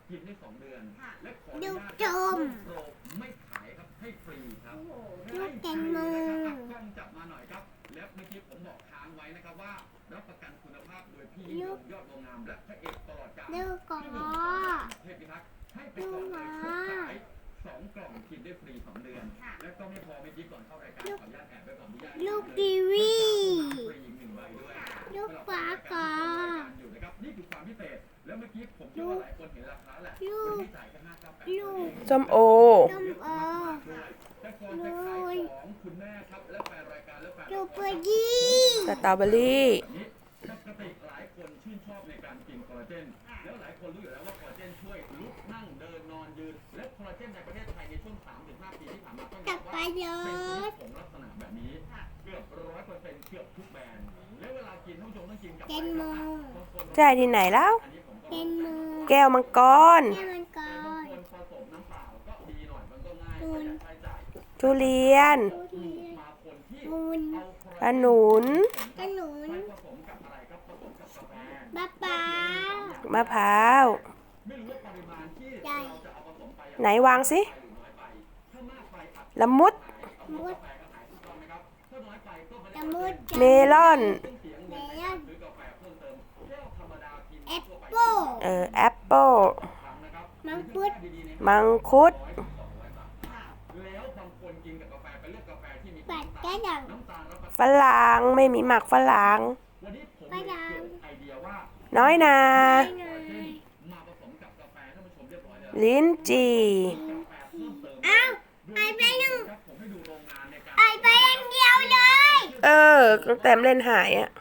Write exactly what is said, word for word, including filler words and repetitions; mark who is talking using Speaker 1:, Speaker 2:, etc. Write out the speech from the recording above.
Speaker 1: กินได้สองเดือนและขออนุ
Speaker 2: ลูก
Speaker 1: ญาต
Speaker 2: จม
Speaker 1: โปรไม่ขายครับให้ฟรีครับ
Speaker 2: ลูกแตงโม
Speaker 1: นะครับกล้องจับมาหน่อยครับและเมื่อกี้ผมบอกค้างไว้นะครับว่ารับประกันคุณภาพโดยพี่ยิ่งยงยอดโรงงามและพระเอกตลอดกาล
Speaker 2: ลูกกอ
Speaker 1: เทพพิทักษ์ให้ไปก่อนเลยชุดขายสองกล่องกินได้ฟรีสองเดือนและก็ไม่พอไม่ยิ้ก่อนเข้ารายการขออนุญาตแอบไว้ก่อนที่ญาติ
Speaker 2: ลูกกีวี
Speaker 1: ฟรีอีกหนึ่งใบด้วย
Speaker 2: ลูกปลากา
Speaker 1: อยู่นะครับนี่คือความพิเศษแล้วเมื่อกี้ผมเชื่อว่าหลายคนเห็นราคาแหละ
Speaker 2: ลูก
Speaker 1: คนที่จ่ายแค่ห้าเก้าแปด
Speaker 2: ลูก
Speaker 3: ส้มโอ
Speaker 2: ส้มโอ
Speaker 1: แต่ก่อนจะขายของคุณแม่ครับและแฟนรายการและแฟน
Speaker 2: ลูกเบอร์ยี่
Speaker 3: สตรอเบอรี่
Speaker 1: นี้ปกติหลายคนชื่นชอบในการกินคอลลาเจนแล้วหลายคนรู้อยู่แล้วว่าคอลลาเจนช่วยลุกนั่งเดินนอนยืนและคอลลาเจนในประเทศไทยในช่วง สามถึงห้า ปีที่ผ่านมาต้องบ
Speaker 2: ตั
Speaker 1: อบ ก
Speaker 2: ไป
Speaker 1: ว่า
Speaker 2: เล
Speaker 1: เป็นชนิดผ
Speaker 2: ย
Speaker 1: งลักษณะแบบนี้เกือบร้อยเปอร์เซ็นต์เกือบทุกแบรนด์แล้วเวลากินท่านผู้ชมต้องกินกับ
Speaker 2: แตงโม
Speaker 3: ใช่ที่ไหนแล้ว
Speaker 1: อันนี้ผมก็
Speaker 2: แตงโม
Speaker 3: แก้วมังกร
Speaker 2: แก้วมังก
Speaker 1: แต่บาง
Speaker 2: ร
Speaker 1: คนผสมน้ำเปล่าก็ดีหน่อยมันก็ง่ายประหยัดค่าใช้จ่าย
Speaker 3: ทุเรียน
Speaker 2: ทุเรียน
Speaker 1: มาคนที่
Speaker 2: มูล
Speaker 1: เอา
Speaker 3: ขนุน
Speaker 2: ขนุน
Speaker 1: ไปผสมกับอะไรครับผสมกับกาแฟ
Speaker 2: มะพร้าว
Speaker 3: มะพร้าว
Speaker 1: ไม่รู้ว่าปริมาณที่
Speaker 2: ได้
Speaker 1: เราจะเอาผสมไป
Speaker 3: ไหนวางสิ
Speaker 1: ไปหรือน้อยไปถ้ามากไปอาจจะ
Speaker 3: ละมุด
Speaker 2: มุด
Speaker 1: กาแฟก็ขายถูกต้องไหมครับถ้าน้อยไปก็ไม่
Speaker 2: ละ
Speaker 1: ได้
Speaker 2: มุด
Speaker 3: เมลอน
Speaker 1: ต้องเสียเงินในการซื้อกาแฟเพิ่มเติมแก้วธรรมดากิน
Speaker 2: แอป
Speaker 1: ทั่วไป
Speaker 2: เปิ้ล
Speaker 3: เออแอปเปิล
Speaker 1: ครั้งนะครับ
Speaker 2: มังคุด
Speaker 1: ดีๆเนี่ย
Speaker 3: มังคุด
Speaker 1: ร้อยถึงสองร้อยบาทแล้วบางคนกินกับกาแฟไปเลือกกาแฟที่มี
Speaker 2: ปัด
Speaker 1: น้ำ
Speaker 2: กระ
Speaker 1: ตาล
Speaker 2: ดัง
Speaker 1: น้ำตาลรับประ
Speaker 3: ฝรั่งไม่มีหมักฝรั่ง
Speaker 1: วันนี้ผมเลยเกิดไอเดียว่า
Speaker 3: น้อยนา
Speaker 2: ได้ไง
Speaker 1: มาผสมกับกาแฟท่านผู้ชมเรียบร้อยแล้ว
Speaker 3: ลิ้นจี่
Speaker 1: กาแฟเพิ่มเติม
Speaker 2: เอ้าไอไปหนึ่ง
Speaker 1: ผมให้ดูโรงงานในการ
Speaker 2: ไอไปอันเดียวเลย
Speaker 3: เออตั้งแต่เล่นหายอะ